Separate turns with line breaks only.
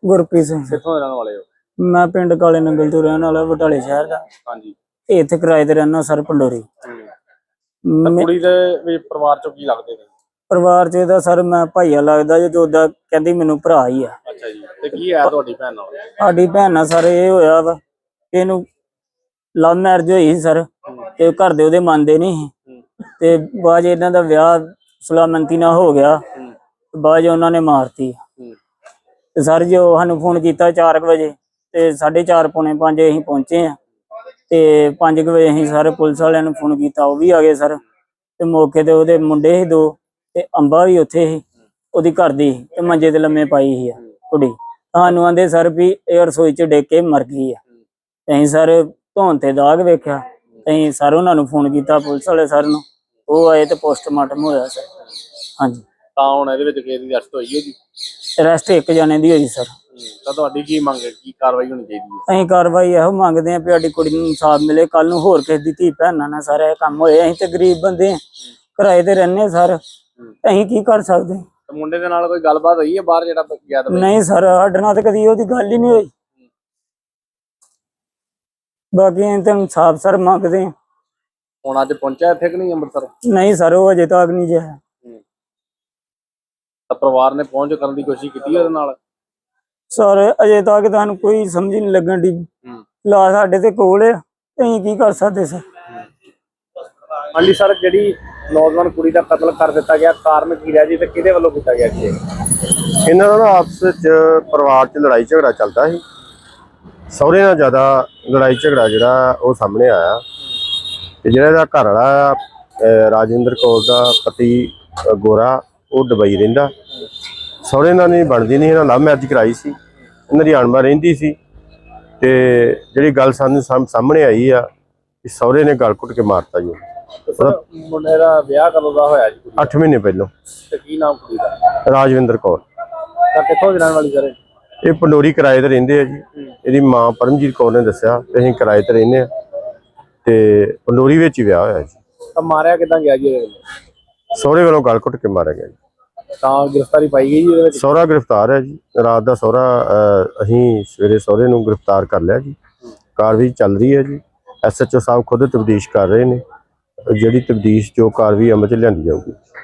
ਗੁਰਪ੍ਰੀਤ ਸਿੰਘ।
ਕਿੱਥੋਂ ਦੇ ਰਹਿਣ ਵਾਲੇ ਹੋ?
ਮੈਂ ਪਿੰਡ ਕਾਲੇ ਨੰਗਲ ਤੋਂ ਰਹਿਣ ਵਾਲਾ, ਬਟਾਲੇ ਸ਼ਹਿਰ ਦਾ।
ਹਾਂਜੀ।
ਇੱਥੇ ਕਿਰਾਏ ਤੇ ਰਹਿਣਾ ਸਰ, ਪੰਡੋਰੀ।
ਕੁੜੀ ਦੇ ਵੀ ਪਰਿਵਾਰ ਚੋਂ ਕੀ ਲੱਗਦੇ ਨੇ?
ਪਰਿਵਾਰ ਚ ਇਹਦਾ ਸਰ ਮੈਂ ਭਾਈਆ ਲੱਗਦਾ ਜੇ, ਉਹਦਾ ਕਹਿੰਦੀ ਮੈਨੂੰ ਭਰਾ ਹੀ ਆ।
ਅੱਛਾ ਜੀ। ਤੇ ਕੀ ਹੈ ਤੁਹਾਡੀ ਭੈਣ ਨਾਲ?
ਸਾਡੀ ਭੈਣ ਨਾਲ ਸਰ ਇਹ ਹੋਇਆ ਵਾ, ਇਹਨੂੰ ਲਵ ਮੈਰਿਜ ਹੋਈ ਸੀ ਸਰ, ਤੇ ਘਰ ਦੇ ਉਹਦੇ ਮੰਨਦੇ ਨਹੀਂ ਸੀ, ਤੇ ਬਾਅਦ ਇਹਨਾਂ ਦਾ ਵਿਆਹ ਸੁਲਾਮੰਤੀ ਨਾਲ ਹੋ ਗਿਆ, ਬਾਅਦ ਉਹਨਾਂ ਨੇ ਮਾਰਤੀ। ਤੇ ਸਰ ਜੋ ਸਾਨੂੰ ਫੋਨ ਕੀਤਾ 4 ਵਜੇ, ਤੇ 4:30 ਪੌਣੇ 5 ਅਸੀਂ ਪਹੁੰਚੇ ਆ, ਤੇ 5 ਵਜੇ ਅਸੀਂ ਸਰ ਪੁਲਿਸ ਵਾਲਿਆਂ ਨੂੰ ਫੋਨ ਕੀਤਾ, ਉਹ ਵੀ ਆ ਗਏ ਸਰ। ਤੇ ਮੌਕੇ ਤੇ ਉਹਦੇ ਮੁੰਡੇ ਸੀ 2, ਤੇ ਅੰਬਾ ਵੀ ਉੱਥੇ ਸੀ, ਉਹਦੀ ਘਰ ਦੀ, ਤੇ ਮੰਜੇ ਤੇ ਲੰਮੇ ਪਾਈ ਸੀ ਕੁੜੀ। ਸਾਨੂੰ ਆਂਦੇ ਸਰ ਵੀ ਇਹ ਰਸੋਈ ਚ ਡਿੱਗ ਕੇ ਮਰ ਗਈ ਆ। ਅਸੀਂ ਸਰ ਧੌਣ ਤੇ ਦਾਗ ਵੇਖਿਆ, ਅਸੀਂ ਸਰ ਉਹਨਾਂ ਨੂੰ ਫੋਨ ਕੀਤਾ, ਪੁਲਿਸ ਵਾਲੇ ਸਰ ਨੂੰ, ਉਹ ਆਏ ਤੇ ਪੋਸਟਮਾਰਟਮ ਹੋਇਆ ਸਰ। ਹਾਂਜੀ।
ਤਾਂ ਹੁਣ ਇਹਦੇ ਵਿੱਚ ਕਿਹਦੀ ਅਰੈਸਟ ਹੋਈ ਹੈ ਜੀ?
ਅਰੈਸਟ 1 ਜਣੇ ਦੀ ਹੋਈ ਸਰ।
ਤਾਂ ਤੁਹਾਡੀ ਕੀ ਮੰਗ ਹੈ, ਕੀ ਕਾਰਵਾਈ ਹੋਣੀ ਚਾਹੀਦੀ ਹੈ?
ਅਸੀਂ ਕਾਰਵਾਈ ਇਹੋ ਮੰਗਦੇ ਹਾਂ ਵੀ ਸਾਡੀ ਕੁੜੀ ਨੂੰ ਇਨਸਾਫ ਮਿਲੇ, ਕੱਲ ਨੂੰ ਹੋਰ ਕਿਸੇ ਦੀ ਧੀ ਭੈਣਾਂ ਨਾਲ ਸਾਰਾ ਇਹ ਕੰਮ ਹੋਏ। ਅਸੀਂ ਤੇ ਗਰੀਬ ਬੰਦੇ ਹਾਂ, ਕਿਰਾਏ ਤੇ ਰਹਿੰਦੇ ਸਰ, ਅਸੀਂ ਕੀ ਕਰ ਸਕਦੇ?
ਮੁੰਡੇ ਦੇ ਨਾਲ ਕੋਈ ਗੱਲਬਾਤ ਹੋਈ ਹੈ ਬਾਹਰ ਜਿਹੜਾ ਗਿਆ ਤਾਂ?
ਨਹੀਂ ਸਰ, ਸਾਡੇ ਨਾਲ ਤਾਂ ਕਦੀ ਉਹਦੀ ਗੱਲ ਹੀ ਨਹੀਂ ਹੋਈ। ਬਾਕੀ ਅਸੀਂ ਤਾਂ ਇਨਸਾਫ ਸਰ ਮੰਗਦੇ ਹਾਂ।
ਹੁਣ ਅੱਜ ਪਹੁੰਚਿਆ ਇੱਥੇ ਕਿ ਨਹੀਂ ਅੰਮ੍ਰਿਤਸਰ?
ਨਹੀਂ ਸਰ, ਉਹ ਅਜੇ ਤੱਕ ਨਹੀਂ ਜਿਆ।
ਤਾਂ ਪਰਿਵਾਰ ਨੇ ਪਹੁੰਚ ਕਰਨ ਦੀ ਕੋਸ਼ਿਸ਼ ਕੀਤੀ ਉਹਦੇ ਨਾਲ?
ਸਰ ਅਜੇ ਤੱਕ ਤੁਹਾਨੂੰ ਕੋਈ ਸਮਝ ਨਹੀਂ ਲੱਗਣ ਦੀ, ਲਾ ਸਾਡੇ ਤੇ ਕੋਲ ਆ, ਅਸੀਂ ਕੀ ਕਰ ਸਕਦੇ ਸਰ?
ਹਾਂਜੀ ਸਰ, ਜਿਹੜੀ ਨੌਜਵਾਨ ਕੁੜੀ ਦਾ ਕਤਲ ਕਰ ਦਿੱਤਾ ਗਿਆ, ਕਾਰਨ ਕੀ ਰਿਹਾ ਜੀ, ਤੇ ਕਿਹਦੇ ਵੱਲੋਂ ਕੀਤਾ ਗਿਆ ਜੀ?
ਇਹਨਾਂ ਦਾ ਆਪਸ ਵਿੱਚ ਪਰਿਵਾਰ 'ਚ ਲੜਾਈ ਝਗੜਾ ਚੱਲਦਾ ਸੀ। ਸਹੁਰੇ ਨਾਲ ਜ਼ਿਆਦਾ ਲੜਾਈ ਝਗੜਾ ਜਿਹੜਾ ਉਹ ਸਾਹਮਣੇ ਆਇਆ, ਤੇ ਜਿਹੜਾ ਇਹਦਾ ਘਰ ਵਾਲਾ ਰਾਜਿੰਦਰ ਕੌਰ ਦਾ ਪਤੀ ਗੋਰਾ, ਉਹ ਦੁਬਈ ਰਹਿੰਦਾ। ਸਹੁਰੇ ਨਾਲ ਨਹੀਂ ਬਣਦੀ ਨਹੀਂ, ਇਹਨਾਂ ਲਵ ਮੈਰਿਜ ਕਰਾਈ ਸੀ, ਇਹਨਾਂ ਦੀ ਅਣਬਣ ਰਹਿੰਦੀ ਸੀ। ਤੇ ਜਿਹੜੀ ਗੱਲ ਸਾਨੂੰ ਸਾਹਮਣੇ ਆਈ ਆ ਕਿ ਸਹੁਰੇ ਨੇ ਗਲ ਘੁੱਟ ਕੇ ਮਾਰਤਾ ਜੀ।
ਮੁੰਡੇ ਦਾ ਵਿਆਹ ਕਦੋਂ ਦਾ ਹੋਇਆ ਜੀ?
8 ਮਹੀਨੇ ਪਹਿਲਾਂ।
ਤੇ ਕੀ ਨਾਮ ਕੁੜੀ ਦਾ?
ਰਾਜਵਿੰਦਰ ਕੌਰ।
ਤਾਂ ਕਿੱਥੋਂ ਦੀ ਰਹਿਣ ਵਾਲੀ ਸਰ?
ਇਹ ਪੰਡੋਰੀ ਕਿਰਾਏ ਤੇ ਰਹਿੰਦੇ ਆ ਜੀ। ਇਹਦੀ ਮਾਂ ਪਰਮਜੀਤ ਕੌਰ ਨੇ ਦੱਸਿਆ ਕਿ ਅਸੀਂ ਕਿਰਾਏ ਤੇ ਰਹਿੰਦੇ ਆ, ਤੇ ਪੰਡੋਰੀ ਵਿੱਚ ਹੀ ਵਿਆਹ ਹੋਇਆ ਜੀ।
ਤਾਂ ਮਾਰਿਆ ਕਿੱਦਾਂ ਗਿਆ ਜੀ?
ਸਹੁਰੇ ਵੱਲੋਂ ਗਲ ਘੁੱਟ ਕੇ ਮਾਰਿਆ ਗਿਆ ਜੀ।
ਤਾਂ ਗ੍ਰਿਫਤਾਰੀ ਪਾਈ ਗਈ ਜੀ ਇਹਦੇ ਵਿੱਚ?
ਸਹੁਰਾ ਗ੍ਰਿਫਤਾਰ ਹੈ ਜੀ। ਰਾਤ ਦਾ ਸਹੁਰਾ, ਅਸੀਂ ਸਵੇਰੇ ਸਹੁਰੇ ਨੂੰ ਗ੍ਰਿਫਤਾਰ ਕਰ ਲਿਆ ਜੀ। ਕਾਰਵਾਈ ਚੱਲ ਰਹੀ ਹੈ ਜੀ। SHO ਸਾਹਿਬ ਖੁਦ ਤਬਦੀਸ਼ ਕਰ ਰਹੇ ਨੇ, ਜਿਹੜੀ ਤਬਦੀਸ਼ ਜੋ ਕਾਰਵਾਈ ਅਮਲ 'ਚ ਲਿਆਂਦੀ ਜਾਊਗੀ।